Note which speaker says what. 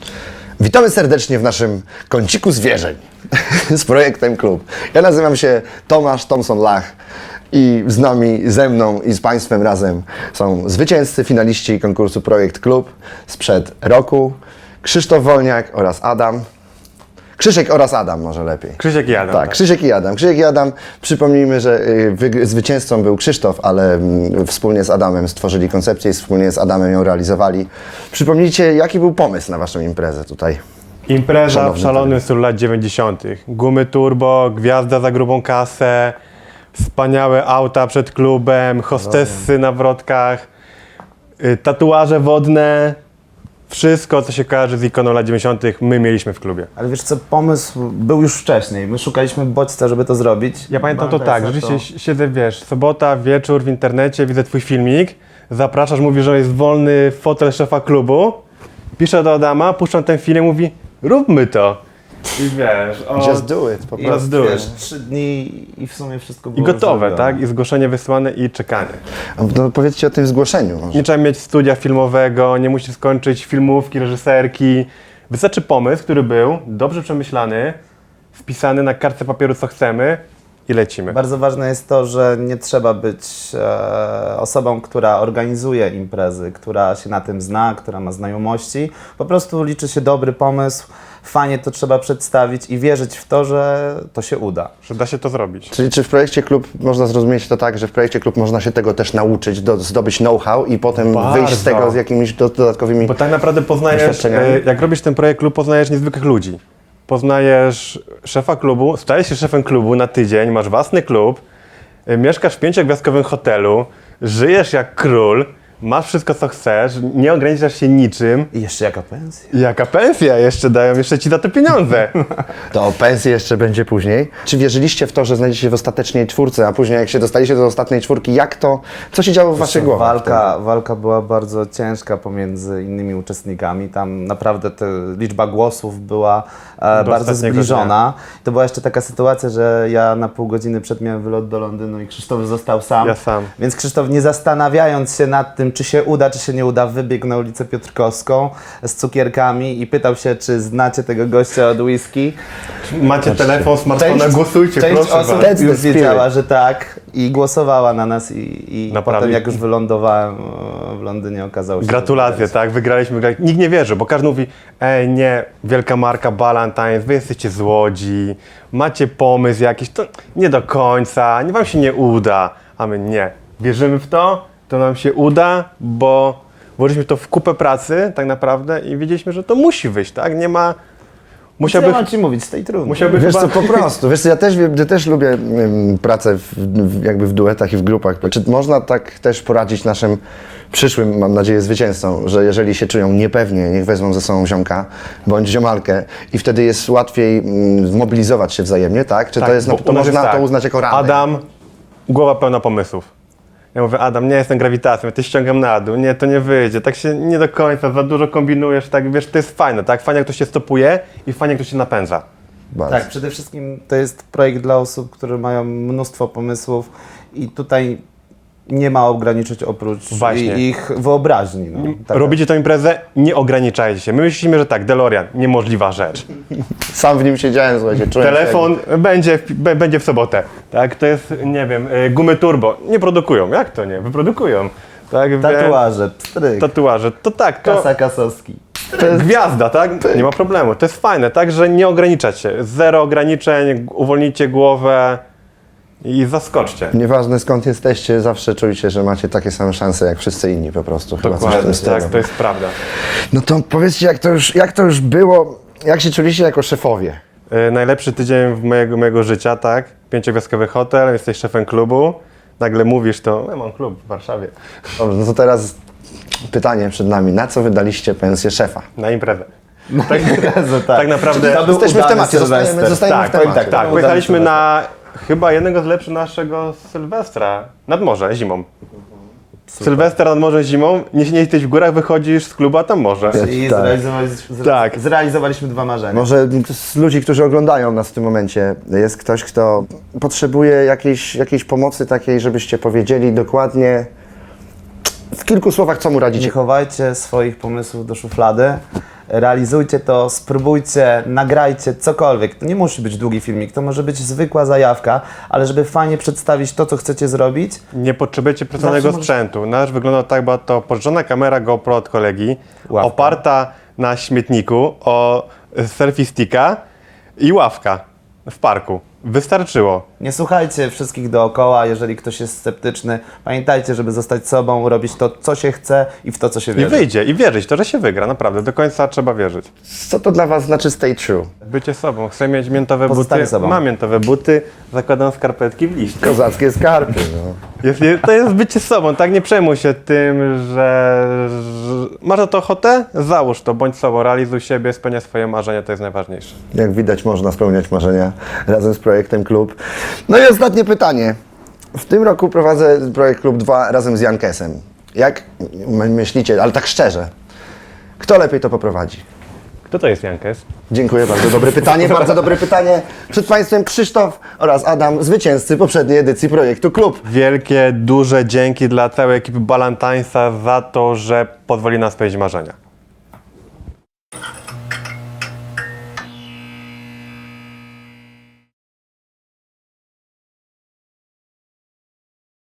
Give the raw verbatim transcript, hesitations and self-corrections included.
Speaker 1: Witamy serdecznie w naszym kąciku zwierzeń z projektem Klub. Ja nazywam się Tomasz Thompson-Lach i z nami, ze mną i z Państwem razem są zwycięzcy, finaliści konkursu Projekt Klub sprzed roku, Krzysztof Wolniak oraz Adam. Krzysiek oraz Adam może lepiej.
Speaker 2: Krzysiek i Adam.
Speaker 1: Tak, Krzysiek i Adam. Krzysiek i Adam, przypomnijmy, że y, zwycięzcą był Krzysztof, ale y, wspólnie z Adamem stworzyli koncepcję i wspólnie z Adamem ją realizowali. Przypomnijcie, jaki był pomysł na Waszą imprezę tutaj?
Speaker 2: Impreza
Speaker 1: Szanowny
Speaker 2: w szalonym stylu lat dziewięćdziesiątych. Gumy turbo, gwiazda za grubą kasę, wspaniałe auta przed klubem, hostessy na wrotkach, y, tatuaże wodne. Wszystko, co się kojarzy z ikoną lat dziewięćdziesiątych, my mieliśmy w klubie.
Speaker 3: Ale wiesz co, pomysł był już wcześniej. My szukaliśmy bodźca, żeby to zrobić.
Speaker 2: Ja pamiętam to
Speaker 3: Bandesa
Speaker 2: tak, rzeczywiście siedzę, wiesz, sobota, wieczór w internecie, widzę twój filmik, zapraszasz, mówisz, że jest wolny fotel szefa klubu, piszę do Adama, puszczam ten film i mówi, róbmy to. I wiesz, o,
Speaker 1: Just do it, po
Speaker 3: I
Speaker 1: prostu.
Speaker 2: Let's do
Speaker 3: wiesz,
Speaker 2: it.
Speaker 3: trzy dni i w sumie wszystko
Speaker 2: I
Speaker 3: było
Speaker 2: gotowe,
Speaker 3: zrobione.
Speaker 2: tak? I zgłoszenie wysłane i czekanie.
Speaker 1: A no, powiedzcie o tym zgłoszeniu. Może.
Speaker 2: Nie trzeba mieć studia filmowego, nie musisz skończyć filmówki, reżyserki. Wystarczy pomysł, który był dobrze przemyślany, wpisany na kartce papieru, co chcemy i lecimy.
Speaker 3: Bardzo ważne jest to, że nie trzeba być e, osobą, która organizuje imprezy, która się na tym zna, która ma znajomości. Po prostu liczy się dobry pomysł, fajnie to trzeba przedstawić i wierzyć w to, że to się uda.
Speaker 2: Że da się to zrobić.
Speaker 1: Czyli czy w projekcie Klub można zrozumieć to tak, że w projekcie Klub można się tego też nauczyć, do, zdobyć know-how i potem
Speaker 2: Bardzo.
Speaker 1: wyjść z tego z jakimiś do, dodatkowymi...
Speaker 2: Bo tak naprawdę poznajesz,
Speaker 1: Doświadczeniami.
Speaker 2: e, jak robisz ten projekt klub, poznajesz niezwykłych ludzi. Poznajesz szefa klubu, stajesz się szefem klubu na tydzień, masz własny klub, e, mieszkasz w pięciogwiazdkowym hotelu, żyjesz jak król, masz wszystko co chcesz, nie ograniczasz się niczym.
Speaker 3: I jeszcze jaka pensja?
Speaker 2: Jaka pensja jeszcze dają, jeszcze ci za to pieniądze.
Speaker 1: To o pensji jeszcze będzie później. Czy wierzyliście w to, że znajdziecie się w ostatecznej czwórce, a później jak się dostaliście do ostatniej czwórki, jak to, co się działo w waszych głowach?
Speaker 3: Walka, walka była bardzo ciężka pomiędzy innymi uczestnikami. Tam naprawdę ta liczba głosów była e, bardzo
Speaker 2: ostatniego
Speaker 3: zbliżona. To była jeszcze taka sytuacja, że ja na pół godziny przed miałem wylot do Londynu i Krzysztof został sam.
Speaker 2: Ja sam.
Speaker 3: Więc Krzysztof, nie zastanawiając się nad tym, czy się uda, czy się nie uda, wybiegł na ulicę Piotrkowską z cukierkami i pytał się, czy znacie tego gościa od whisky.
Speaker 2: Macie telefon, smartfona, głosujcie,
Speaker 3: część
Speaker 2: proszę
Speaker 3: osób
Speaker 2: was.
Speaker 1: That's the
Speaker 3: już
Speaker 1: spirit.
Speaker 3: wiedziała, że tak i głosowała na nas i, i
Speaker 2: Naprawdę.
Speaker 3: potem jak już wylądowałem e, w Londynie, okazało się...
Speaker 2: Gratulacje,
Speaker 3: że
Speaker 2: tak, wygraliśmy, wygraliśmy. Nikt nie wierzy, bo każdy mówi, ej nie, wielka marka Ballantines, wy jesteście z Łodzi, macie pomysł jakiś, to nie do końca, nie wam się nie uda, a my nie. Wierzymy w to, to nam się uda, bo włożyliśmy to w kupę pracy tak naprawdę i wiedzieliśmy, że to musi wyjść, tak, nie ma,
Speaker 3: Co
Speaker 2: musiałby,
Speaker 3: ja mam ci mówić z tej trudnej?
Speaker 2: musiałby
Speaker 1: Wiesz
Speaker 2: chyba...
Speaker 1: co, po prostu, wiesz co, ja też, ja też lubię ym, pracę w, w, jakby w duetach i w grupach. Czy można tak też poradzić naszym przyszłym, mam nadzieję, zwycięzcom, że jeżeli się czują niepewnie, niech wezmą ze sobą ziomka bądź ziomalkę i wtedy jest łatwiej ym, zmobilizować się wzajemnie, tak? Czy
Speaker 2: Tak,
Speaker 1: to, jest,
Speaker 2: bo
Speaker 1: to
Speaker 2: u nas
Speaker 1: można
Speaker 2: jest
Speaker 1: to
Speaker 2: tak.
Speaker 1: uznać jako radę?
Speaker 2: Adam, głowa pełna pomysłów. Ja mówię, Adam, nie jestem grawitacją, ja cię ściągam na dół, nie, to nie wyjdzie, tak się nie do końca, za dużo kombinujesz, tak, wiesz, to jest fajne, tak, fajnie jak ktoś się stopuje i fajnie jak ktoś się napędza.
Speaker 1: Bardzo.
Speaker 3: Tak, przede wszystkim to jest projekt dla osób, które mają mnóstwo pomysłów i tutaj nie ma ograniczyć oprócz
Speaker 2: Właśnie.
Speaker 3: i- ich wyobraźni. No. Tak.
Speaker 2: Robicie tę imprezę, nie ograniczajcie się. My myślimy, że tak, DeLorean, niemożliwa rzecz.
Speaker 1: Sam w nim siedziałem, słuchajcie, czułem się
Speaker 2: Telefon będzie w, b- będzie w sobotę, tak, to jest, nie wiem, y, gumy turbo, nie produkują, jak to nie, wyprodukują. Tak, wie-
Speaker 3: Tatuaże, pstryk,
Speaker 2: Tatuaże, to tak, to
Speaker 3: kasa kasowski.
Speaker 2: gwiazda, tak, nie ma problemu, to jest fajne, tak, że nie ograniczać się, zero ograniczeń, uwolnijcie głowę i zaskoczcie.
Speaker 1: Nieważne skąd jesteście, zawsze czujcie, że macie takie same szanse jak wszyscy inni po prostu. Chyba coś w
Speaker 2: Dokładnie,
Speaker 1: tym stylu.
Speaker 2: tak, to jest prawda.
Speaker 1: No to powiedzcie, jak to już, jak to już było, jak się czuliście jako szefowie?
Speaker 2: E, najlepszy tydzień w mojego, mojego życia, tak? Pięciogwiazdkowy hotel, jesteś szefem klubu, nagle mówisz to, ja mam klub w Warszawie,
Speaker 1: Dobrze, no to teraz pytanie przed nami. Na co wydaliście pensję szefa?
Speaker 2: na imprezę.
Speaker 3: Tak, tak.
Speaker 2: Tak naprawdę,
Speaker 3: To był
Speaker 1: Jesteśmy w
Speaker 3: udany
Speaker 1: temacie, zostajemy,
Speaker 3: Sylwester.
Speaker 1: zostajemy
Speaker 2: tak,
Speaker 1: w temacie.
Speaker 2: tak, tak,
Speaker 3: Udany
Speaker 2: pojechaliśmy
Speaker 3: Sylwester.
Speaker 2: na chyba jednego z lepszych naszego Sylwestra, nad morze, zimą. Sylwester nad morzem zimą, nie nie jesteś w górach, wychodzisz z klubu, a tam morze.
Speaker 3: I
Speaker 1: Tak.
Speaker 3: zrealizowaliśmy, zre-
Speaker 2: Tak.
Speaker 3: zrealizowaliśmy dwa marzenia.
Speaker 1: Może z ludzi, którzy oglądają nas w tym momencie, jest ktoś, kto potrzebuje jakiejś, jakiejś pomocy takiej, żebyście powiedzieli dokładnie w kilku słowach, co mu
Speaker 3: Nie
Speaker 1: radzicie.
Speaker 3: chowajcie swoich pomysłów do szuflady. realizujcie to, spróbujcie, nagrajcie cokolwiek. To nie musi być długi filmik, to może być zwykła zajawka, ale żeby fajnie przedstawić to, co chcecie zrobić,
Speaker 2: Nie potrzebujecie personalnego
Speaker 3: Zawsze możesz-
Speaker 2: sprzętu. Nasz wygląda tak, była to pożyczona kamera GoPro od kolegi,
Speaker 3: Ławka.
Speaker 2: oparta na śmietniku o selfie sticka i ławka w parku. Wystarczyło.
Speaker 3: nie słuchajcie wszystkich dookoła, jeżeli ktoś jest sceptyczny. Pamiętajcie, żeby zostać sobą, robić to, co się chce i w to, co się
Speaker 2: I
Speaker 3: wierzy.
Speaker 2: wyjdzie, i wierzyć, to, że się wygra, naprawdę. Do końca trzeba wierzyć.
Speaker 1: Co to dla Was znaczy stay true?
Speaker 2: Bycie sobą. Chcę mieć miętowe
Speaker 3: Pozostań
Speaker 2: buty.
Speaker 3: sobą.
Speaker 2: Mam miętowe buty, zakładam skarpetki w liście.
Speaker 1: Kozackie skarpy, no.
Speaker 2: Jest, jest, to jest bycie sobą, tak? Nie przejmuj się tym, że, że masz na to ochotę? Załóż to, bądź sobą, realizuj siebie, spełniaj swoje marzenia, to jest najważniejsze.
Speaker 1: Jak widać, można spełniać marzenia razem z projektem Klub. No i ostatnie pytanie. W tym roku prowadzę projekt Klub dwa razem z Jankesem. Jak my- myślicie, ale tak szczerze, kto lepiej to poprowadzi?
Speaker 2: Kto to jest Jankes?
Speaker 1: Dziękuję, bardzo dobre pytanie, bardzo dobre pytanie. Przed Państwem Krzysztof oraz Adam, zwycięzcy poprzedniej edycji projektu Klub.
Speaker 2: Wielkie, duże dzięki dla całej ekipy Balantańsa za to, że pozwoli nam spełnić marzenia.